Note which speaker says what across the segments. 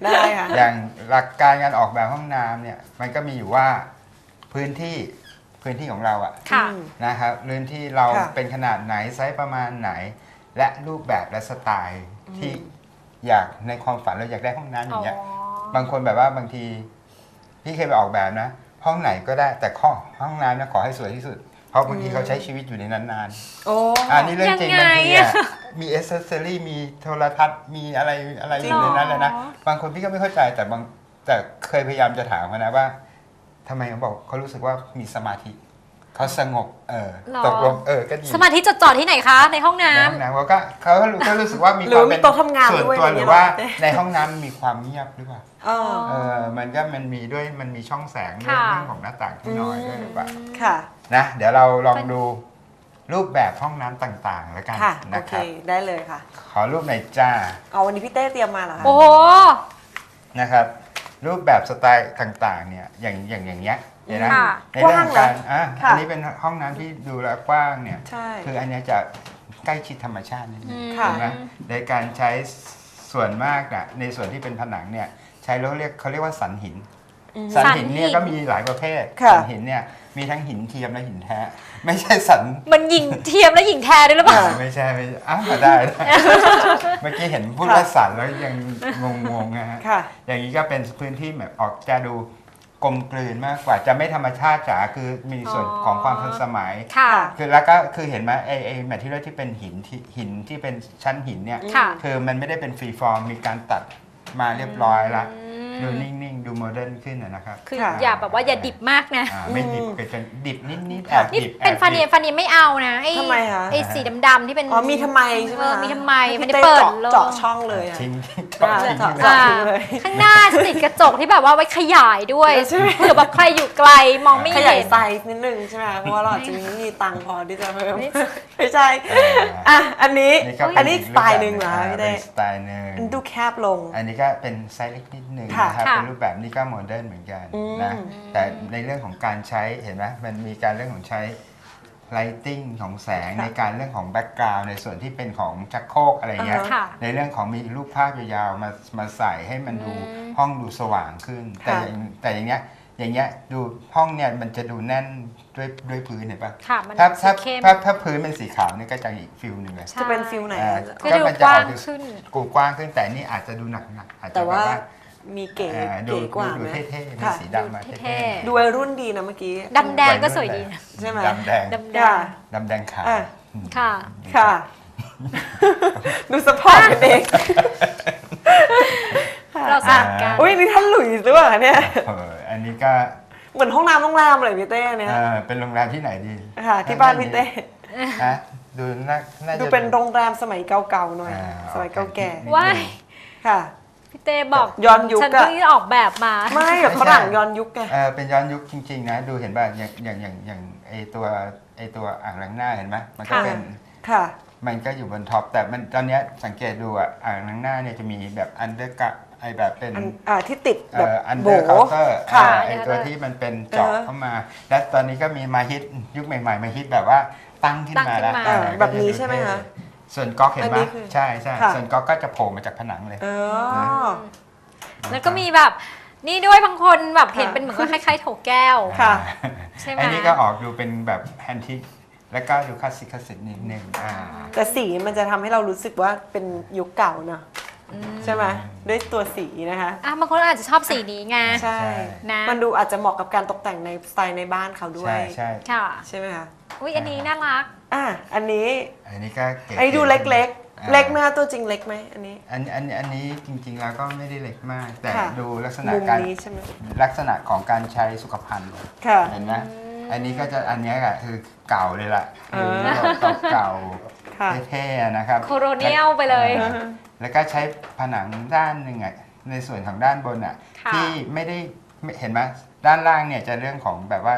Speaker 1: ได้ค่ะ
Speaker 2: อย่างหลักการการออกแบบห้องน้ำเนี่ยมันก็มีอยู่ว่าพื้นที่ของเราอะ
Speaker 3: ค่ะ
Speaker 2: นะครับพื้นที่เรา
Speaker 1: ค่ะ
Speaker 2: เป็นขนาดไหนไซส์ประมาณไหน และรูปแบบและสไตล์ที่อยากในความฝันเราอยากได้ห้องน้ำอย่างเงี้ยบางคนแบบว่าบางทีพี่เคยไปออกแบบนะ ห้องไหนก็ได้แต่ห้องน้ำนะขอให้สวยที่สุด เพราะบางทีเขาใช้ชีวิตอยู่ในนั้นนาน
Speaker 1: โอ้
Speaker 2: อันนี้เรื่องจริง
Speaker 3: ยังไง
Speaker 2: บางที
Speaker 3: อะ
Speaker 2: มีเอเซอรี่มีโทรทัศน์มีอะไรอยู่ในนั้นเลยนะบางคนพี่ก็ไม่เข้าใจแต่เคยพยายามจะถามเขานะว่าทำไมเขาบอกเขารู้สึกว่ามีสมาธิเขาสงบตกลงก็ดี
Speaker 3: สมาธิจดจ่อที่ไหนคะในห้องน้
Speaker 2: ในห้องน้ำเขารู้สึกว่ามี
Speaker 1: ห
Speaker 2: ค
Speaker 1: รื
Speaker 2: วา
Speaker 1: อ
Speaker 2: ม
Speaker 1: มี
Speaker 2: เป็น
Speaker 1: โต๊ะทำงาน
Speaker 2: ส่วน
Speaker 1: ด้วย
Speaker 2: ตัว
Speaker 1: อะไร
Speaker 2: หรือ
Speaker 1: เงี้ย
Speaker 2: ว่า
Speaker 1: เต้
Speaker 2: ในห้องน้ำมีความเงียบหรือเปล่า
Speaker 1: อ๋อ
Speaker 2: มันมีด้วยมันมีช่องแสงด้วยเรื่องของหน้าต่างที่น้อยด้วยหรือเปล่า
Speaker 1: ค่ะ
Speaker 2: นะเดี๋ยวเราลองดูรูปแบบห้องน้ำต่างๆแล้วกัน
Speaker 1: ค่ะ โอ
Speaker 2: นะ
Speaker 1: เค
Speaker 2: ครับ
Speaker 1: ได้เลยค่ะ
Speaker 2: ขอรูปหน่อยจ้า
Speaker 1: เอาวันนี้พี่เต้เตรียมมาเหรอ
Speaker 3: ำ
Speaker 1: คะ
Speaker 3: โอ้โห
Speaker 2: นะครับรูปแบบสไตล์ต่างๆเนี่ยอย่างเงี้ยเห็นไหม
Speaker 3: ค่ะ
Speaker 2: ในเรื่องของการ
Speaker 1: ค่ะ
Speaker 2: อันนี้เป็นห้องน้ำที่ดูแล้วกว้างเนี่ย
Speaker 1: ใช่
Speaker 2: คืออันเนี้ยจะใกล้ชิดธรรมชาตินิดนึง
Speaker 1: ค่ะ
Speaker 2: เห็นไหมในการใช้ส่วนมากน่ะในส่วนที่เป็นผนังเนี่ยใช้แล้วเขาเรียกว่าสันหิน สันหินเนี่ยก็มีหลายประเภท
Speaker 1: ค่ะ
Speaker 2: สันหินเนี่ยมีทั้งหินเทียมและหินแท้ ไม่ใช่สัน
Speaker 3: มันหญิงเทียมและหญิงแท้ด้วยหรือเปล่า
Speaker 2: ไม่ใช่อ้าวได้ เมื่อกี้เห็นพูดว่าสันแล้วยังงงๆนะฮะ
Speaker 1: ค่ะ
Speaker 2: อย่างนี้ก็เป็นพื้นที่แบบออกจะดูกลมกลืนมากกว่าจะไม่ธรรมชาติจ๋าคือมีส่วนของความทันสมัย
Speaker 3: ค่ะ
Speaker 2: คือแล้วก็คือเห็นไหมไอ้แมทที่เรียลที่เป็นหินที่เป็นชั้นหินเนี่ย
Speaker 3: ค่ะ
Speaker 2: คือมันไม่ได้เป็นฟรีฟอร์มมีการตัดมาเรียบร้อยละดูนิ่งๆ ดูโมเดิร์นขึ้นนะครับ
Speaker 3: คือ
Speaker 1: ค่ะ
Speaker 3: อย่าแบบว่าอย่าดิบมากนะ
Speaker 2: ไม่ดิบไปจนดิบนิดๆแอ
Speaker 1: ค่ะ
Speaker 2: บ
Speaker 3: นี่
Speaker 2: ดิบ
Speaker 3: เป็นฟันเนียฟันเนียไม่เอานะไอ้
Speaker 1: ทำไมคะ
Speaker 3: ไอ้สีดำๆที่เป็น
Speaker 1: อ๋อมีทำไมใช่ไหม
Speaker 3: มีทำไม
Speaker 1: ให้
Speaker 3: มัน
Speaker 1: พี่
Speaker 3: ได้
Speaker 1: เต้
Speaker 3: เปิด
Speaker 1: เจาะช่องเลยอะ
Speaker 2: ทิ้ง
Speaker 1: เจาะ
Speaker 2: ทิ้ง
Speaker 1: เจาะ
Speaker 2: ไป
Speaker 1: ทิ้งเลย
Speaker 3: ข้างหน้าจะติดกระจกที่แบบว่าไว้ขยายด้วย
Speaker 1: ใช่ไหม
Speaker 3: เผื่อแบบใครอยู่ไกลมองไม่
Speaker 1: ข
Speaker 3: เห็
Speaker 1: ยาย
Speaker 3: น
Speaker 1: ไซส์นิดนึงใช่ไหมคะเพราะว่าเราอาจจะไม่มีตังค์พอที่จะเพิ่ม
Speaker 3: ไม่
Speaker 1: ไม่ใช่ อ่ะ อันนี้สไตล์หนึ่งเหรอคะพี่
Speaker 2: เป็
Speaker 1: เต้
Speaker 2: นสไตล์หนึ่ง
Speaker 1: มันดูแคบลง
Speaker 2: อันนี้ก็เป็นไซส์เล็กนิดหนึ่ง
Speaker 1: ค่ะ
Speaker 2: นะครับ
Speaker 3: ค่ะ
Speaker 2: เป็นรูปแบบนี้ก็โมเดิร์นเหมือนกันนะ
Speaker 1: อืม
Speaker 2: แต่ในเรื่องของการใช้เห็นไหมมันมีการเรื่องของใช้ lighting ของแสงในการเรื่องของแบ็กกราวน์ในส่วนที่เป็นของชักโครกอะไรเงี้ย
Speaker 3: ค่ะ
Speaker 2: ในเรื่องของมีรูปภาพยาวๆมาใส่ให้มันดูห้องดูสว่างขึ้น แต่อย่างเงี้ยดูห้องเนี่ยมันจะดูแน่นด้วยพื้นเห็นปะ
Speaker 3: ค่ะมัน
Speaker 2: ถ้า
Speaker 3: สีเข้ม
Speaker 2: ถ้าพื้นเป็นสีขาวเนี่ยก็จะอีกฟิลหนึ่งเลย
Speaker 1: จะเป็นฟิลไหน
Speaker 3: คือดูกว้างขึ้น
Speaker 2: กว้างขึ้นแต่นี่อาจจะดูหนักๆอาจจะ
Speaker 1: แต่
Speaker 2: แบบ
Speaker 1: ว่า
Speaker 2: ว่า
Speaker 1: มีเก๋
Speaker 2: ดู
Speaker 1: เก๋กว่า
Speaker 2: ดู
Speaker 1: ไหม
Speaker 2: เท่ๆมี
Speaker 1: ค่ะ
Speaker 2: สีดำมา
Speaker 3: ดู
Speaker 2: เท่
Speaker 3: เท่
Speaker 1: ดูวัยรุ่นดีนะเมื่อกี้
Speaker 3: ดำแดงก็สวยดีนะ
Speaker 1: ใช่ไหม
Speaker 2: ดำแดง
Speaker 3: ดำแด
Speaker 1: ค่ะ
Speaker 3: ง
Speaker 2: ดำแดงขาว
Speaker 1: อ่ะ
Speaker 3: ค่ะ
Speaker 1: ค่ะ ดูสปอร์ตกันเอง
Speaker 3: เราสลับกัน
Speaker 1: อุ้ยนี่ท่านหลุยส์หรือเปล่าเนี่ย
Speaker 2: อันนี้ก็
Speaker 1: เหมือนห้องน้ำโรงแรมเลยพี่เต้เนี่ย
Speaker 2: เป็นโรงแรมที่ไหนดี
Speaker 1: ค่ะ ที่บ้านพี่เต้
Speaker 2: ฮะดูน่าจะ
Speaker 1: ดูเป็นโรงแรมสมัยเก่าๆหน่อย สมัยเก่าแก่
Speaker 3: ว้าย
Speaker 1: ค่ะ
Speaker 3: พี่เต้บอก
Speaker 1: ย้อนยุค
Speaker 3: ฉัน
Speaker 1: อะ
Speaker 3: เพิ่งออกแบบมา
Speaker 1: ไม่แบบฝรั่งย้อนยุคไง
Speaker 2: เป็นย้อนยุคจริงๆนะดูเห็นป่ะอย่างไอตัวอ่างล้างหน้าเห็นไหมมันก็
Speaker 3: ค่ะ
Speaker 2: เป็น
Speaker 1: ค่ะ
Speaker 2: มันก็อยู่บนท็อปแต่มันตอนเนี้ยสังเกตดูอ่างล้างหน้าเนี่ยจะมีแบบอันเดอร์กะไอแบบเป็น
Speaker 1: ที่ติดแบบ
Speaker 2: อันเด
Speaker 1: โบ
Speaker 2: อร์เคาน์เตอร์
Speaker 1: ค่ะ
Speaker 2: ไอตัวที่มันเป็นเจาะเข้ามา และตอนนี้ก็มีมาฮิตยุคใหม่ๆมาฮิตแบบว่าตั้งขึ้นมาแล้ว
Speaker 3: ตั้งขึ้นมา
Speaker 1: แบบนี้ใช่ไหมคะ
Speaker 2: ส่วนก๊อกเห็นไหม
Speaker 1: อันนี้คือ
Speaker 2: ใช่
Speaker 1: ค่ะ
Speaker 2: ส่วนก๊อกก็จะโผล่มาจากผนังเลย
Speaker 1: อ๋อ
Speaker 3: แล้วก็มีแบบนี่ด้วยบางคนแบบ
Speaker 1: ค่ะ
Speaker 3: เห็นเป็นเหมือนกับคล้ายๆโถแก้ว
Speaker 1: ค่ะ
Speaker 3: ใช่ไหม
Speaker 2: อันนี้ก็ออกดูเป็นแบบแฮนทิกแล้วก็ดูคลาสสิกนิดนึง
Speaker 1: แต่สีมันจะทำให้เรารู้สึกว่าเป็นยุคเก่าเนอะใช่ไหมด้วยตัวสีนะคะ
Speaker 3: บางคนอาจจะชอบสีนี้ไง
Speaker 1: ใช่
Speaker 3: นะ
Speaker 1: มันดูอาจจะเหมาะกับการตกแต่งในสไตล์ในบ้านเขาด้วย
Speaker 2: ใช่
Speaker 3: ค่ะ
Speaker 1: ใช่ไหมคะ
Speaker 3: อุ้ยอันนี้น่ารัก
Speaker 1: อันนี้
Speaker 2: อันนี้ก็เก๋
Speaker 1: ไอ้ดูเล็กๆ เล็กไหมคะตัวจริงเล็กไหมอันนี้
Speaker 2: อันนี้จริงๆแล้วก็ไม่ได้เล็กมาก แต่
Speaker 1: ค่ะ
Speaker 2: ดูลักษณะ
Speaker 1: มุม
Speaker 2: การ
Speaker 1: นี้ใช่ไหม
Speaker 2: ลักษณะของการใช้สุขภัณฑ์
Speaker 1: ค่ะ
Speaker 2: เห็นไหมอันนี้ก็จะอันเนี้ยอะคือเก่าเลยล่ะ
Speaker 1: เออ
Speaker 2: คือเก่า
Speaker 1: ค่ะ
Speaker 2: เท่ๆนะครับ
Speaker 3: โคโรเนียลไปเลย
Speaker 2: แล้วก็ใช้ผนังด้านหนึ่งอ่ะในส่วนของด้านบนอ่ะ
Speaker 3: ค่ะ
Speaker 2: ที่ไม่ได้เห็นไหมด้านล่างเนี่ยจะเรื่องของแบบว่าต้อง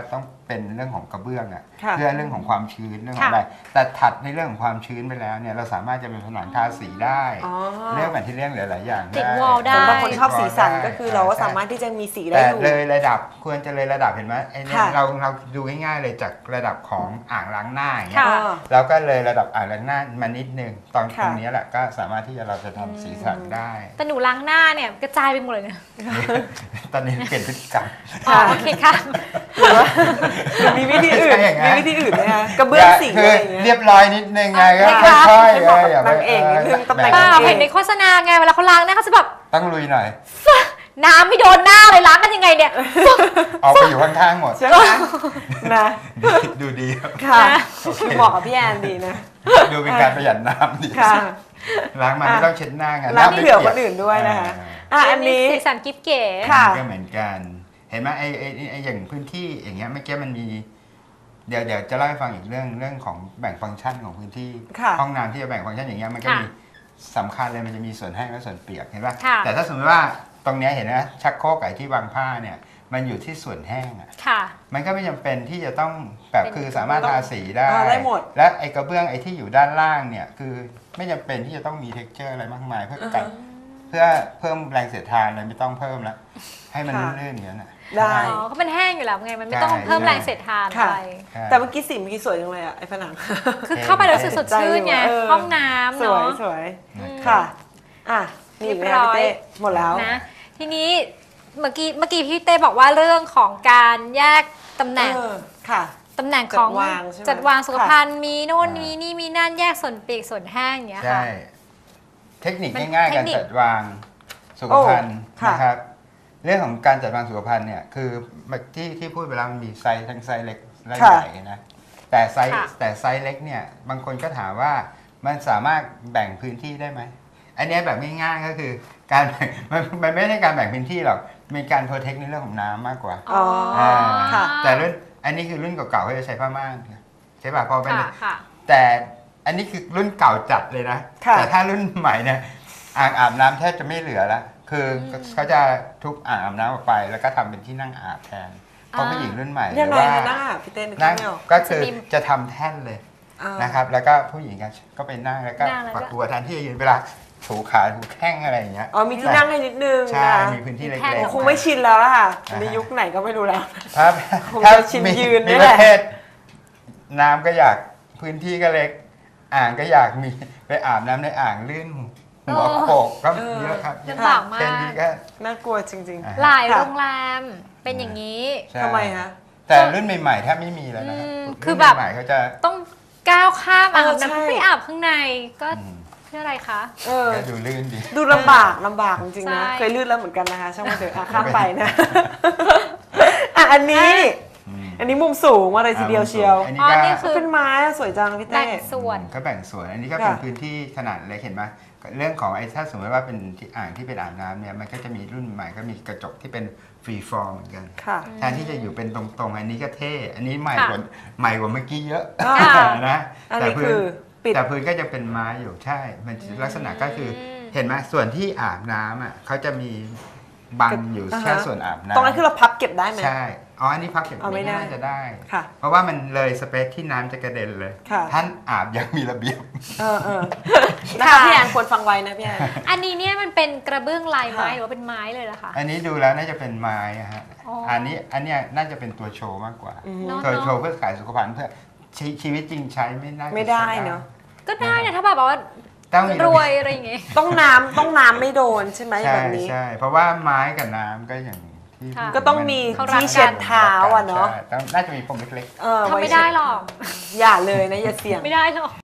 Speaker 2: เป็นเรื่องของกระเบื้องอ่ะ
Speaker 1: ค่ะ
Speaker 2: เพื่อเรื่องของความชื้นเรื่องของ
Speaker 3: ค่ะ
Speaker 2: อะไรแต่ถัดในเรื่องของความชื้นไปแล้วเนี่ยเราสามารถจะเป็นผนังทาสีได้
Speaker 1: อ๋อ
Speaker 2: เรื่องแมทเทียลหลายๆอย่าง
Speaker 3: ติด
Speaker 2: ได้
Speaker 3: wall ได้
Speaker 1: สำหรับคนชอบสีสัน
Speaker 2: ได้
Speaker 1: ก็คือเราก็
Speaker 2: ใช่
Speaker 1: สามารถที่จะมีสีได้
Speaker 2: แต่
Speaker 1: อยู่
Speaker 2: เลยระดับควรจะเลยระดับเห็นไหมไอ้เนี่ย
Speaker 1: ค่ะ
Speaker 2: เราดูง่ายๆเลยจากระดับของอ่างล้างหน้าอย่างเงี้ย
Speaker 3: ค่ะ
Speaker 2: เราก็เลยระดับอ่างล้างหน้ามานิดนึงตรง
Speaker 1: ค่ะ
Speaker 2: นี้แหละก็สามารถที่จะเราจะทำสีสันได้
Speaker 3: แต่หนูล้างหน้าเนี่ยกระจายไปหมดเลยเนี่ย
Speaker 2: ตอนนี้เปลี่ยนพฤติกรรม
Speaker 3: อ๋อโอเคค่ะ
Speaker 1: หรือว่าหรือมีวิธีอื่น
Speaker 2: ไม่ใช่อย่างนั้น
Speaker 1: มีวิธีอื่นไหมคะกระเบื้องสี
Speaker 2: คื
Speaker 1: อะไรอย่างเงี้ย
Speaker 2: เรียบร้อยนิดนึงไงก็
Speaker 1: ค่ะ
Speaker 2: ค่อย
Speaker 1: ให้
Speaker 2: ๆ
Speaker 1: เหมาะกับ
Speaker 2: อย่าไป
Speaker 1: นางเอกนิดนึงตำแหน่ง
Speaker 3: เปล่า
Speaker 1: โอเค
Speaker 3: เห็นในโฆษณาไงเวลาเขาล้างหน้าเขาจะแบบ
Speaker 2: ต้องลุยหน่อย
Speaker 3: น้ำไม่โดนหน้าเลยล้างกันยังไงเนี่ย
Speaker 2: เอาไปอยู่ข้างๆหมด
Speaker 1: ใช่ไหมนะ
Speaker 2: ดูดีครับ
Speaker 1: ค่ะ
Speaker 3: นะ
Speaker 1: คือเหมาะกับพี่แอนดีนะ
Speaker 2: ดูเป็นการประหยัดน้ำดี
Speaker 1: ค่ะ
Speaker 2: ล้างมาไม่ต้องเช็ดหน้าไง
Speaker 1: ล้าง
Speaker 2: ไม่
Speaker 1: เผื่อ
Speaker 2: ปี
Speaker 1: ค
Speaker 2: ยก
Speaker 1: นอื่นด้วยนะคะ
Speaker 2: อ่า
Speaker 1: อ่ะอันนี้
Speaker 3: สีสันกิ๊บเก๋
Speaker 1: ค่ะ
Speaker 2: ก็เหมือนกัน เห็นไหมไอ้อย่างพื้นที่อย่างเงี้ยเมื่อกี้มันมี เดี๋ยวจะเล่าให้ฟังอีกเรื่องของแบ่งฟังก์ชันของพื้นที่
Speaker 1: ค่ะ
Speaker 2: ห้องน้ำที่จะแบ่งฟังก์ชันอย่างเงี้ยมันก็
Speaker 3: ค่ะ
Speaker 2: มีสำคัญเลยมันจะมีส่วนแห้งและส่วนเปียกเห็นป่ะ
Speaker 3: ค่ะ
Speaker 2: แต่ถ้าสมมติว่าตรงเนี้ยเห็นนะชักโครกไอ้ที่วางผ้าเนี่ยมันอยู่ที่ส่วนแห้งอ่ะ
Speaker 3: ค่ะ
Speaker 2: มันก็ไม่จำเป็นที่จะต้องแบบ
Speaker 3: เป็น
Speaker 2: คือสามารถทาสีได้
Speaker 1: ได้หมด
Speaker 2: และไอ้กระเบื้องไอ้ที่อยู่ด้านล่างเนี่ยคือไม่จำเป็นที่จะต้องมี texture อะไรมากมายเพื่อกันเพื่อเพิ่มแรงเสียดทานอะไรไม่ต้องเพิ่มแล้วให้มัน
Speaker 1: ค่ะ
Speaker 2: ลื่นๆอย่างนั้นน่ะ
Speaker 1: ได้
Speaker 3: อ๋อเขาเป็นแห้งอยู่แล้วไงมันไม่ต้อง
Speaker 2: ใช่
Speaker 3: เพิ่มแรงเสียดทาน
Speaker 1: ค่ะ
Speaker 3: อะไร
Speaker 2: ใช่
Speaker 1: แต่เมื่อกี้สีเมื่อกี้สวยจังเลยอ่ะไอ้ผนัง
Speaker 3: คือเข้าไปแล้วรู้สึกสดชื่นไง
Speaker 1: เออ
Speaker 3: ห้องน้ำ
Speaker 1: สวย
Speaker 3: เนาะ
Speaker 1: สวย
Speaker 2: อืม
Speaker 1: ค่ะ อ่ะนี่อีกไหมคะพี่เต้หมดแล้ว
Speaker 3: นะทีนี้เมื่อกี้พี่เต้บอกว่าเรื่องของการแยกตำแหน่ง
Speaker 1: เออค่ะ
Speaker 3: ตำแหน่งของ
Speaker 1: จัดวางใช่ไหม
Speaker 3: จัดวางสุข
Speaker 1: ค่ะ
Speaker 3: ภัณฑ์มีโน่นมีนี่มีนั่นแยกส่วนเปียกส่วนแห้งอย่างเงี้ย
Speaker 2: ใช่
Speaker 3: ค่ะ
Speaker 2: เทคนิค
Speaker 3: มัน
Speaker 2: ง่ายๆ
Speaker 3: เท
Speaker 2: กา
Speaker 3: ค
Speaker 2: ร
Speaker 3: นิค
Speaker 2: จัดวางสุขภัณฑ์
Speaker 1: โอ้ค่ะ
Speaker 2: นะครับเรื่องของการจัดวางสุขภัณฑ์เนี่ยคือที่พูดไปแล้วมันมีไซส์ทั้งไซส์เล็กและใหญ่นะแต่ไซส์เล็กเนี่ยบางคนก็ถามว่ามันสามารถแบ่งพื้นที่ได้ไหมอันเนี้ยแบบง่ายๆก็คือการแบ่งมันไม่ใช่การแบ่งพื้นที่หรอกเป็นการโปรเทคในเรื่องของน้ำมากกว่า
Speaker 1: อ๋อ ค่ะ
Speaker 2: แต่รุ่นอันนี้คือรุ่นเก่าๆเขาจะใช้ผ้าม่านใช่ป่ะพอเป็น
Speaker 3: ค่ะค่ะ
Speaker 2: แต่อันนี้คือรุ่นเก่าจัดเลยนะ
Speaker 1: ค่ะ
Speaker 2: แต่ถ้ารุ่นใหม่เนี่ยอ่างอาบน้ำแทบจะไม่เหลือละคือเขาจะทุบอ่างอาบน้ำออกไป แล้วก็ทำเป็นที่นั่งอาบแทนเพราะผู้หญิงรุ่นใหม่ห
Speaker 1: ยัง
Speaker 2: รือ
Speaker 1: ไง
Speaker 2: ว่า
Speaker 1: คะหน้าพี่เต้นึก
Speaker 2: นั่ง
Speaker 1: ไม่ออก
Speaker 2: ก็คือ
Speaker 3: จะมี
Speaker 2: จะทำแท่นเลย
Speaker 1: อ่า
Speaker 2: นะครับ แล้วก็ผู้หญิงก็ไปนั่งแล้วก็
Speaker 3: นั่งแล้วก็
Speaker 2: ฝักบัวแทนที่จะยืนเวลาถูขาถูแข้งอะไรอย่างเงี้ย
Speaker 1: อ๋อมีที่นั่งให้นิดนึง
Speaker 2: ใช่
Speaker 1: นะ
Speaker 2: มีพื้นที่เล็
Speaker 3: แท่น
Speaker 2: ก
Speaker 1: คงไม่ชินแล้วล่ะค่ะ
Speaker 2: อ่าฮะ
Speaker 1: ในยุคไหนก็ไม่รู้แล้ว
Speaker 2: ๆถ้า
Speaker 1: คง
Speaker 2: ถ้า
Speaker 1: จะชิน
Speaker 2: มี
Speaker 1: ยืน
Speaker 2: มี
Speaker 1: นี่
Speaker 2: ป
Speaker 1: แหละ
Speaker 2: ระเภทน้ำก็อยากพื้นที่ก็เล็ก อ่างก็อยากมีไปอาบน้ำในอ่างลื่นหัวโขกก็เยอะครับ
Speaker 3: ลำบากมา
Speaker 2: แค่
Speaker 3: ก
Speaker 2: นี้ก็
Speaker 1: น่ากลัวจริง
Speaker 2: อ่า
Speaker 3: หลาย
Speaker 1: ค่ะ
Speaker 3: โรงแรมเป็นอย่างนี้
Speaker 2: ใช่
Speaker 1: ทำไมคะ
Speaker 2: แต่รุ่นใหม่ๆแทบไม่มีแล้วนะ
Speaker 3: อืม
Speaker 2: รุ่น
Speaker 3: คือแบบ
Speaker 2: ใหม่ๆเขาจะ
Speaker 3: ต้องก้าวข้ามอ่าง
Speaker 1: เออ
Speaker 3: น้ำ
Speaker 1: ใช่
Speaker 3: ไปอาบข้างในก็
Speaker 2: อืม
Speaker 3: เพื่ออะไรคะ
Speaker 1: เออ
Speaker 2: ก็ดูลื่นดี
Speaker 1: ดูลำบากจริงๆนะ
Speaker 3: ใช่
Speaker 1: เคยลื่นแล้วเหมือนกันนะคะช่างมันเถอะอ่ะข้ามไปนะ อ่ะอันนี้ อันนี้มุมสูงมาเลยทีเดียวเชียว
Speaker 2: อัน
Speaker 3: อ๋
Speaker 2: นี้
Speaker 3: อ
Speaker 2: ก็
Speaker 3: นี่คือ
Speaker 1: เป็นไม้อะสวยจังพี่เต้
Speaker 3: แบ่งส่วน
Speaker 2: ก็แบ่งส่วน อันนี้ก็เป็น
Speaker 1: ค่ะ
Speaker 2: พื้นที่ขนาดเล็กเห็นไหมเรื่องของไอ้ถ้าสมมติว่าเป็นที่อ่างที่เป็นอ่างน้ำเนี่ยมันก็จะมีรุ่นใหม่ก็มีกระจกที่เป็นฟรีฟอร์มเหมือนกัน
Speaker 1: ค่ะ
Speaker 2: แทนที่จะอยู่เป็นตรงๆ อันนี้ก็เท่ อันนี้ใหม่
Speaker 3: ค่ะ
Speaker 2: กว่าเมื่อกี้เยอะ
Speaker 1: ค่ะ
Speaker 2: นะ
Speaker 1: อัน
Speaker 2: แต่
Speaker 1: นี้
Speaker 2: พื้
Speaker 1: คื
Speaker 2: น
Speaker 1: อปิด
Speaker 2: แต่พื้นก็จะเป็นไม้อยู่ใช่ มันลักษณะก็คือเห็นไหมส่วนที่อาบน้ำอ่ะเขาจะมีบังอยู่
Speaker 1: อ่าฮะ
Speaker 2: แค่ส่วนอาบน้ำ
Speaker 1: ตรงนั้นคือเราพับเก็บได้ไหม
Speaker 2: ใช่ อ๋อ อันนี้พักเก็บ
Speaker 1: เอาไม่ได้
Speaker 2: น่าจะได้
Speaker 1: ค่ะ
Speaker 2: เพราะว่ามันเลยสเปซที่น้ำจะกระเด็นเลย
Speaker 1: ค่ะ
Speaker 2: ท่านอาบอย่างมีระเบียบ
Speaker 1: เออนะคะพี่แอนควรฟังไว้นะพี่แอน
Speaker 3: อันนี้เนี่ยมันเป็นกระเบื้องลายไม้
Speaker 1: ค่ะ
Speaker 3: หรือว่าเป็นไม้เลยล่ะคะ
Speaker 2: อันนี้ดูแล้วน่าจะเป็นไม้อะฮะ
Speaker 3: อ๋ออั
Speaker 2: อันเนี้ยน่าจะเป็นตัวโชว์มากกว่า
Speaker 3: เนาะ
Speaker 2: ตัวโชว์เพื่อขายสุขภัณฑ์เพื่อชีวิตจริงใช้ไม่น่าจะ
Speaker 1: ไม่ได้
Speaker 2: ใช้
Speaker 1: เนอะ
Speaker 3: ก็ได้นะถ้าแบบว่า
Speaker 2: ต้องมี
Speaker 3: รวยอะไรอย่างเงี้ย
Speaker 1: ต้องน้ำไม่โดนใช่ไหม
Speaker 2: ใช่
Speaker 1: แบบนี้
Speaker 2: ใช่เพราะว่าไม้กับน้ำก็อย่างที่
Speaker 3: ค่ะ
Speaker 1: ก็ต้องมี
Speaker 3: เขารักกัน
Speaker 1: ที่เช็ดเท้าอ่ะเนาะ
Speaker 2: ใช่ต้องน่าจะมีพรมเล็ก
Speaker 1: เออ
Speaker 3: ทำไม่ได้หรอก
Speaker 1: อย่าเลยนะอย่าเสี่ยง
Speaker 3: ไม่ได้หรอก